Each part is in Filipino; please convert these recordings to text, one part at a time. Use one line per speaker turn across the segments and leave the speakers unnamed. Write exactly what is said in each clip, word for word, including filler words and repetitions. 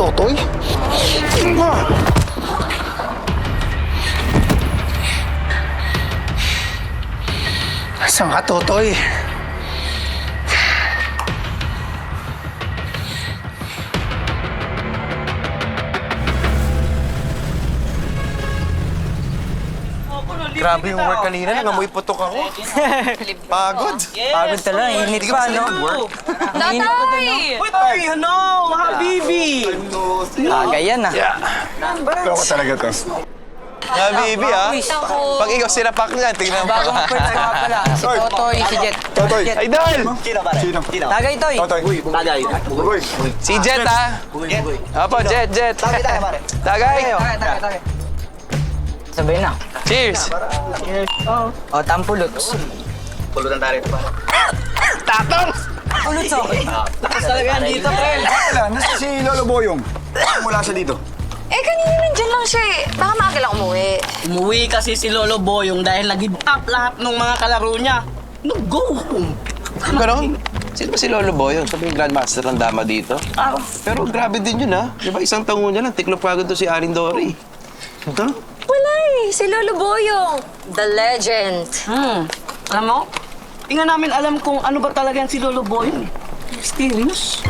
Totoy? Saan ka, Totoy?
Grabe yung work kanina, nangamoy putok ako. Pagod.
Pagod talaga, init pa, no?
Tatay!
Ay, ano? Habibi! Aga yan, ah.
Ito ko talaga to.
Habibi, ah. Pag ikaw sinapak niyan, tingnan mo.
Bagong first nga pala, si Totoy, si Jet.
Totoy.
Ay, Dal!
Sino?
Tagay, Toy.
Totoy.
Tagay.
Uy.
Si Jet, ah. Apo, Jet, Jet.
Tagay tayo, pare.
Tagay.
Tagay, tagay, tagay. Sabay na.
Cheers.
O, tampulots.
Pulutan tayo rin, pare.
Pulots, okay. Tapos talaga yan dito, Pel.
Wala, nasa si Lolo Boyong. Mula siya dito.
Eh, kanina nandyan lang siya eh. Baka maaga lang umuwi.
Umuwi kasi si Lolo Boyong dahil nag-give up lahat ng mga kalaro niya. No, go home.
Ganon? Sino ba si Lolo Boyong? Sabi yung Grandmaster ng dama dito.
Ah,
Pero grabe din yun, ha? Di ba isang taon niya lang, tiklop kagad to si Aling Dory. Huh?
Wala eh. Si Lolo Boyong. The legend.
hmm. Alam mo, tingnan namin alam kung ano ba talaga yan si Lolo Boyong. Mysterious.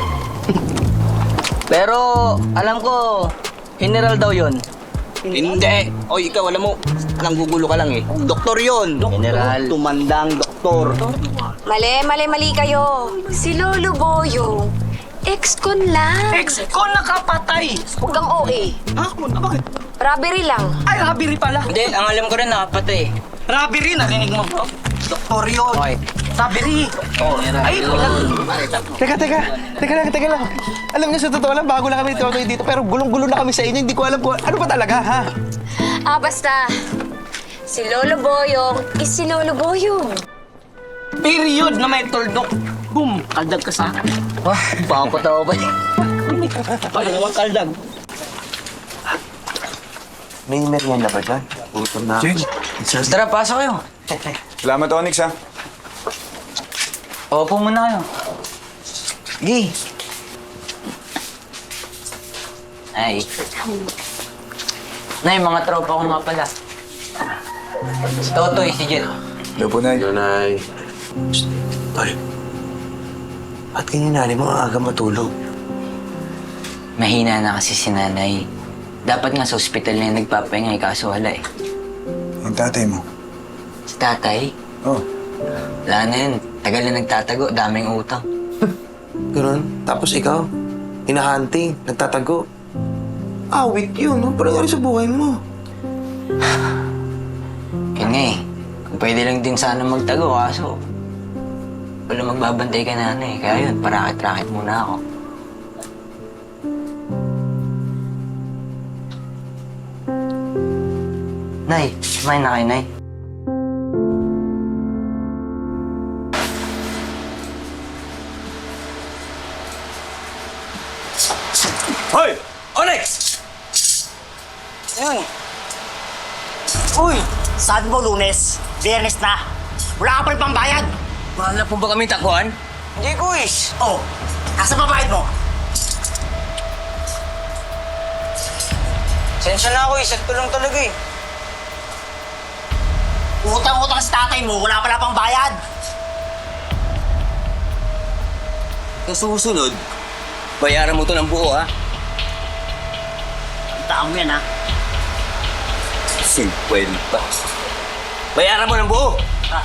Pero, alam ko, general daw yun.
Hindi. O, ikaw, alam mo, alang gugulo ka lang eh. Doktor yun.
General.
Tumandang doktor.
Mali, mali, mali kayo. Si Lolo Boyong. Ex-con lang.
Ex ko nakapatay.
Huwag kang O A.
Ha? Ah, bakit?
Robbery lang.
Ay, robbery pala.
Hindi, ang alam ko rin nakapatay.
Robbery, narinig mo bro? Doktor yun.
Okay.
Robbery. Ay, wala.
Teka, teka. Teka lang, teka lang. Alam niyo, sa totoo lang, bago lang kami ni Totoy dito, pero gulong-gulo na kami sa inyo. Hindi ko alam kung ano pa talaga, ha?
Ah, basta. Si Lolo Boyong is si Lolo Boyong.
Period na may tuldok. Boom, kaldag ka sa akin.
Wah, baka ko tao ba?
Paano naman kaldag?
May merienda ba dyan? Gutom na.
Tara, pasok kayo.
Salamat, Onyx, ha?
Opo muna kayo. Sige. Ay. Nay, mga tropa ko nga pala. Si Totoy, si Jet.
Hello po, Nay.
Nanay. Tol. Ba't ganyan nanay mo ang aga matulog?
Mahina na kasi si nanay. Dapat nga sa ospital na yung nagpapahinga, eh, kaso wala eh.
Yung tatay mo.
Si tatay,
Oh.
wala na yun. Tagal na nagtatago, daming utang.
Ganun. Tapos ikaw, hinahunting, nagtatago. Awit yun. Ano pa nangyari sa buhay mo?
Yun nga eh. Kung pwede lang din sana magtago, kaso wala magbabantay ka nanay. Kaya yun, parakit-rakit muna ako. Nay, kumain na kayo, Nay.
Hoy! Onyx!
Ayun.
Uy! Saan mo lunes? Biyernes na. Wala ka pa rin pambayad.
Mahal na po ba kami takuan? Hindi, kuis.
Oh, nasa babayad mo?
Sensya na ako, isag lang talaga eh.
Utang-utang sa tatay mo, wala pala pang bayad.
Sa susunod, bayaran mo to ng buo, ha?
Taang mo yan, ha?
Cinquenta. Bayaran mo ng buo.
Ha?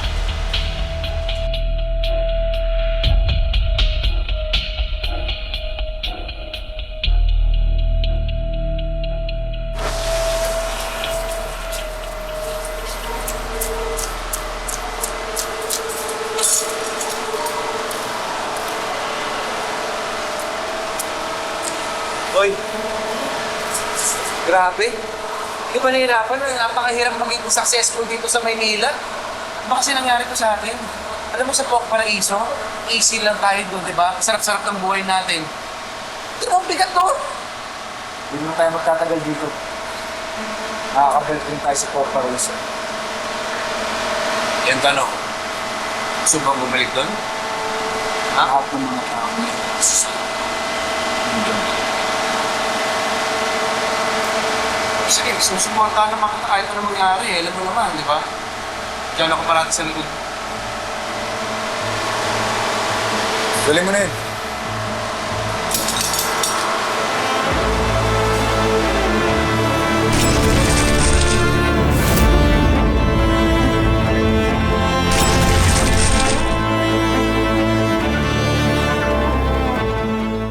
Hoy. Grabe. Hindi ba nahihirapan? Napakahirap maging successful dito sa Maynila. Ano kasi nangyari ko sa atin? Alam mo sa Pok Paraiso, easy lang tayo doon, di ba? Sarap-sarap ng buhay natin. Ito ang bigat doon.
Hindi mo tayo magtatagal dito. Nakakabalik rin tayo sa Port Paraiso.
Yan tanong. Gusto bang bumalik doon?
Lahat ng mga tao.
sige, susuportahan naman kita kahit ano mangyari. Eh. Alam mo naman, di ba? Diyan ako parati sa likod.
Galing mo na yun.